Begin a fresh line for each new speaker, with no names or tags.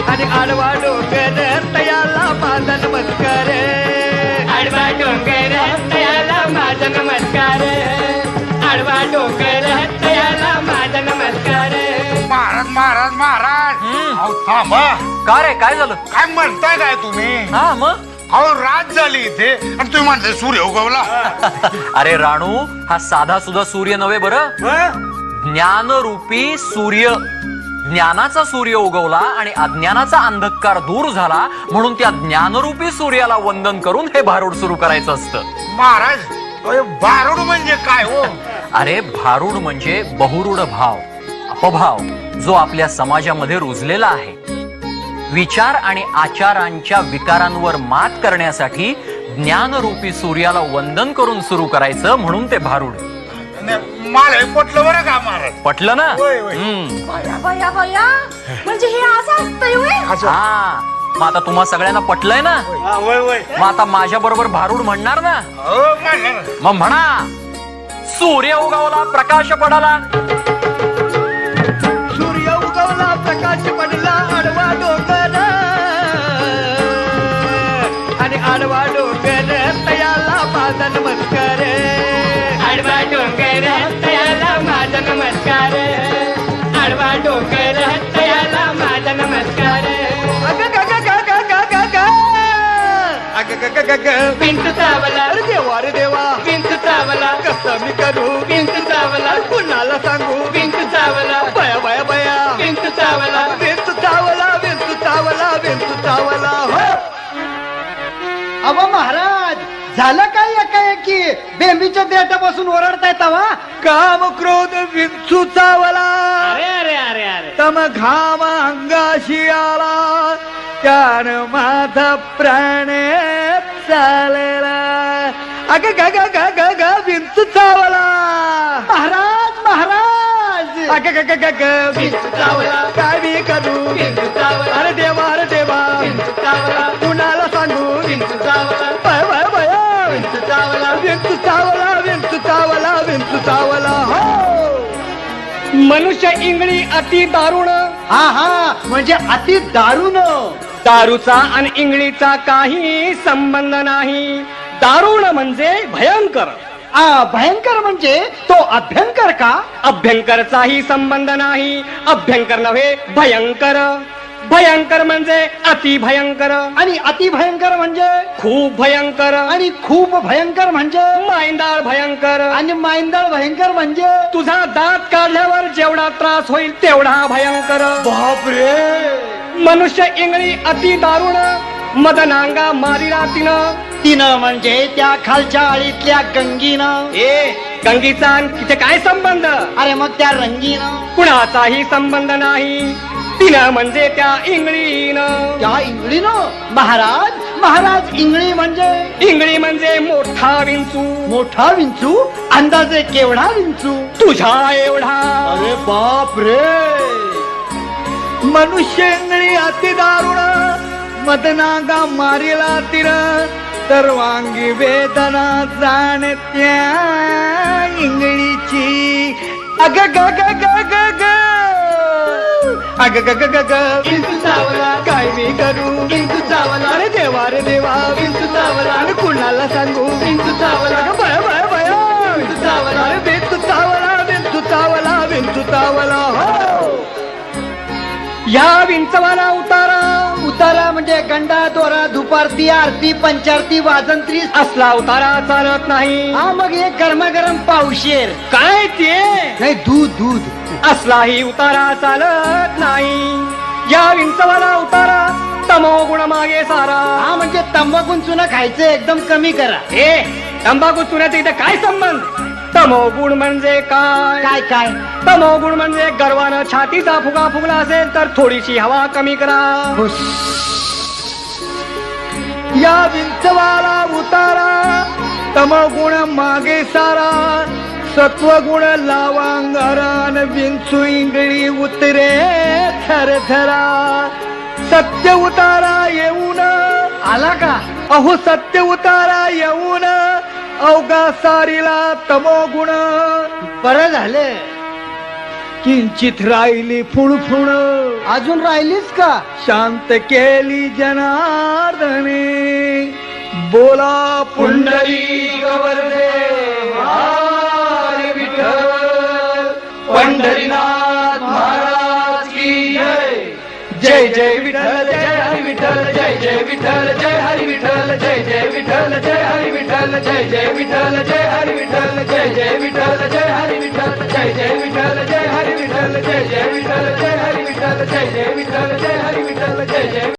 आणि आडवा डोंगर तयाला माझा नमस्कार. आडवा डोंगर तयाला माझा नमस्कार. आडवा डोंगर तयाला माझा नमस्कार.
महाराज महाराज महाराज अहो थांबा.
का रे काय झालं?
काय म्हणताय काय तुम्ही?
हा मग
अहो रात झाली इथे आणि तुम्ही म्हणताय सूर्य उगवला.
अरे राणू, हा साधा सुद्धा सूर्य नव्हे बरं, ज्ञानरूपी सूर्य. ज्ञानाचा सूर्य उगवला आणि अज्ञानाचा अंधकार दूर झाला, म्हणून त्या ज्ञानरूपी सूर्याला वंदन करून हे भारूड सुरू करायचं असतं.
महाराज भारूड म्हणजे काय हो?
अरे भारूड म्हणजे बहुरूढ भाव, अपभाव, जो आपल्या समाजामध्ये रुजलेला आहे. विचार आणि आचारांच्या विकारांवर मात करण्यासाठी ज्ञानरूपी सूर्याला वंदन करून सुरू करायचं, म्हणून ते भारूड.
मला हे पटलं बरं का महाराज?
पटलं ना?
बया बया, म्हणजे हे असं असतंय होय?
हा, मग आता तुम्हा सगळ्यांना पटलंय ना? मग आता माझ्या बरोबर भारूड म्हणणार ना? मग म्हणा, सूर्य उगवला प्रकाश पडाला.
सूर्य उगवला प्रकाश पडला आडवा डोंगर आणि आडवा डोंगर तयाला माझा नमस्कार. आडवा डोंगर तयाला माझा नमस्कार. आडवा डोंगर तयाला माझा नमस्कार. अग ग ग ग ग ग ग ग अग ग ग ग ग विंच चावला. अरे देवा रे देवा, विंच चावला. कसं मी करू? विंच चावला. कुणाला सांगू? विंच चावला. बया बया बया, विंच चावला. विंच चावला, विंच चावला, विंच चावला. हो
अहो महाराज, झालं काय एकाएकी? बेंबीच्या देठापासून ओरडताय तवा?
काम क्रोध विंचू चावला.
अरे अरे अरे अरे,
तम घाम अंगाशी आला, त्यानं माझा प्राण चालला. अग ग ग ग ग ग विंचू चावला.
महाराज महाराज,
अग ग ग ग ग विंचू चावला. काय मी करू? विंचू चावला. अरे देवा रे देवा, विंचू चावला. कुणाला सांगू? विंचू चावला. भय भय भय, विंचू चावला. विंचू चावला, विंचू चावला, विंचू चावला. हो, मनुष्य इंगळी अति दारुण.
हा हा, म्हणजे अति दारुण.
दारूचा आणि इंगळीचा काही संबंध नाही. दारुण म्हणजे भयंकर.
भयंकर म्हणजे तो अभ्यंकर का?
अभ्यंकरचाही संबंध नाही. अभ्यंकर नव्हे, भयंकर. भयंकर म्हणजे अति भयंकर.
आणि अति भयंकर म्हणजे
खूप भयंकर.
आणि खूप भयंकर म्हणजे
मायंदाळ भयंकर.
आणि मायंदाळ भयंकर म्हणजे
तुझा दात काढल्यावर जेवढा त्रास होईल तेवढा भयंकर.
बापरे.
मनुष्य इंगळी अति दारुण, मदनांगा मारिला तिनं.
तिनं म्हणजे त्या खालच्या आळीतल्या गंगीनं.
गंगीचा तिथे काय संबंध?
अरे मग त्या रंगीनं.
कुणाचाही संबंध नाही. तिनं म्हणजे त्या इंगळीनं.
त्या इंगळीनं? महाराज महाराज, इंगळी म्हणजे?
इंगळी म्हणजे मोठा विंचू.
मोठा विंचू? अंदाजे केवढा विंचू?
तुझ्या एवढा.
अरे बाप रे.
मनुष्य इंगळी अति दारुण, मदनागा मारिला तिनं. सर्वांगी वेदना जाणत्या इंगळीची. अग ग ग ग ग ग अग ग ग ग ग विंचू चावला. काय मी करू? विंचू चावला. अरे देवा रे देवा, विंचू चावला. आणि कुणाला सांगू? विंचू चावला. भय भय भय, विंचू चावला. अरे विंचू चावला, विंचू चावला, विंचू चावला. हो, या विंचवाला उतारा.
उतारा म्हणजे गंडा दोरा दुपारती आरती पंचारती वाजंत्री
असला उतारा चालत नाही.
हा, मग एक गरमागरम पावशेर.
काय ते?
नाही, दूध दूध.
असलाही उतारा चालत नाही. या विंचवाला उतारा तमो गुण मागे सारा.
हा, म्हणजे तंबाखून चुना खायचं एकदम कमी करा.
तंबाखू चुन्याचा इथे काय संबंध? तमोगुण म्हणजे काय?
काय काय?
तमोगुण म्हणजे गर्वानं छातीचा फुगा फुगला असेल तर थोडीशी हवा कमी करा. या विंचवाला उतारा तमोगुण मागे सारा. सत्वगुण लावांगरान विंचू इंगळी उतरे थरथरा. सत्य उतारा येऊन
आला का?
अहो सत्य उतारा येऊन अवघा सारीला तमोगुण.
बरं झालं. किंचित राहिली फुणफुण अजून राहिलीच का शांत केली जनार्दने बोला पुंडलिक वरदे हरी विठ्ठल पंढरीनाथ महाराज की जय जय जय विठ्ठल जय हरी विठ्ठल जय जय विठ्ठल जय हरी विठ्ठल जय जय विठ्ठल जय हरी विठ्ठल जय जय विठ्ठल जय हरी विठ्ठल जय जय विठ्ठल जय हरी विठ्ठल जय जय विठ्ठल जय हरी विठ्ठल जय जय विठ्ठल जय हरी विठ्ठल जय जय विठ्ठल जय हरी विठ्ठल जय जय